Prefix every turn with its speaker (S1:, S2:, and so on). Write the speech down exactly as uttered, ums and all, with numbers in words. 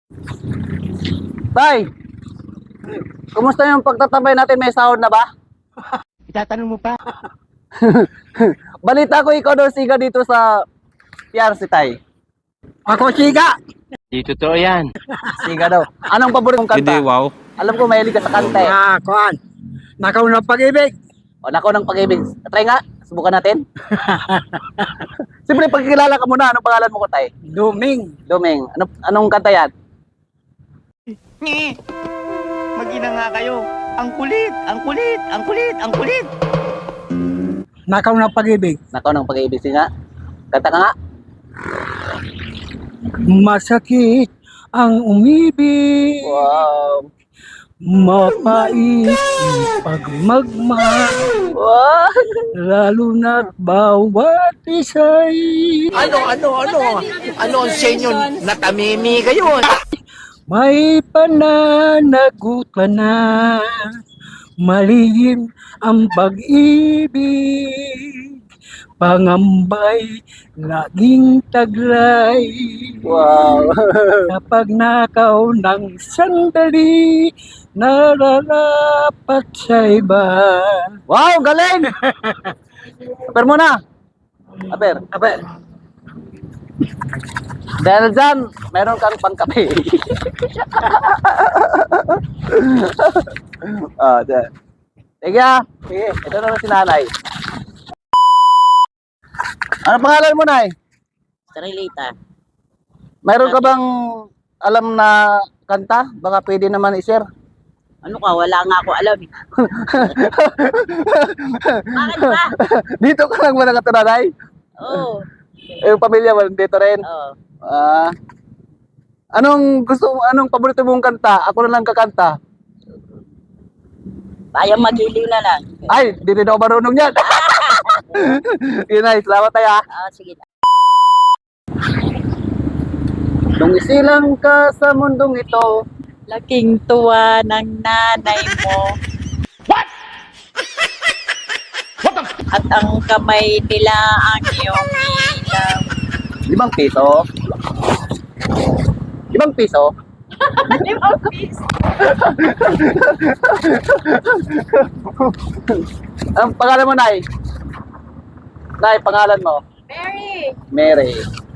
S1: Tay, kumusta yung pagtatabay natin? May sahod na ba?
S2: Itatanong mo pa?
S1: Balita ko ikaw daw siga dito sa P R C, Tay.
S3: Ako siga.
S2: Di totoo yan.
S1: Siga daw. Anong paborito mong kanta?
S4: Hindi, wow.
S1: Alam ko mahilig ka sa kanta eh.
S3: Ah, kuan. Nakaw ng pag-ibig.
S1: O, nako ng pag-ibig. Try nga. Subukan natin. Siyempre, pagkikilala ka muna. Anong pangalan mo ko, Tay?
S3: Duming.
S1: Doming. Ano, anong kanta yan?
S2: Ngi! Mag-ina nga kayo. Ang kulit, ang kulit, ang kulit, ang kulit.
S3: Nakaw ng pag-ibig.
S1: Nako ng pag-ibig. Sige nga. Kanta ka nga.
S3: Masakit ang umibig.
S1: Wow.
S3: Mapait pag magmahal.
S1: Wow.
S3: Lalo na't bawat isa'y
S2: Ano, ano, ano? Ano ang senyo? Natamimi kayo.
S3: may pananagutan na. Malihim ang pag-ibig. Pangambay, laging taglay.
S1: Wow.
S3: Kapag nakaw ng sandali, nararapat sa iba.
S1: Wow, galing! Aper muna. Aper.
S3: Ape,
S1: Dahil dyan, meron kang pangkape. Ah, dyan. Sige ah. Sige, ito na si nanay. Ano pangalan mo, Nay?
S5: Trilita.
S1: Mayroon ka bang alam na kanta? Baka pwede naman i-share.
S5: Ano ka? Wala nga ako alam. Bakit ba?
S1: Dito ka lang ba nakatira, Nay?
S5: Oo.
S1: Eh, yung pamilya mo, dito rin.
S5: Oo.
S1: Ah. Anong gusto mo, anong paborito mong kanta? Ako na lang kakanta.
S5: Bayang magiliw na lang.
S1: Ay, di rin ako marunong yan. Yun, Nay. Salamat tayo, ah.
S5: Ah, sige.
S1: Nung isilang ka sa mundong ito,
S5: Laking tuwa ng nanay mo. What? At ang kamay nila ang iyong ilaw.
S1: limang piso. Limang piso?
S5: Limang piso.
S1: Ang pangalan mo, Nay? Nay, pangalan mo?
S5: Mary.
S1: Mary.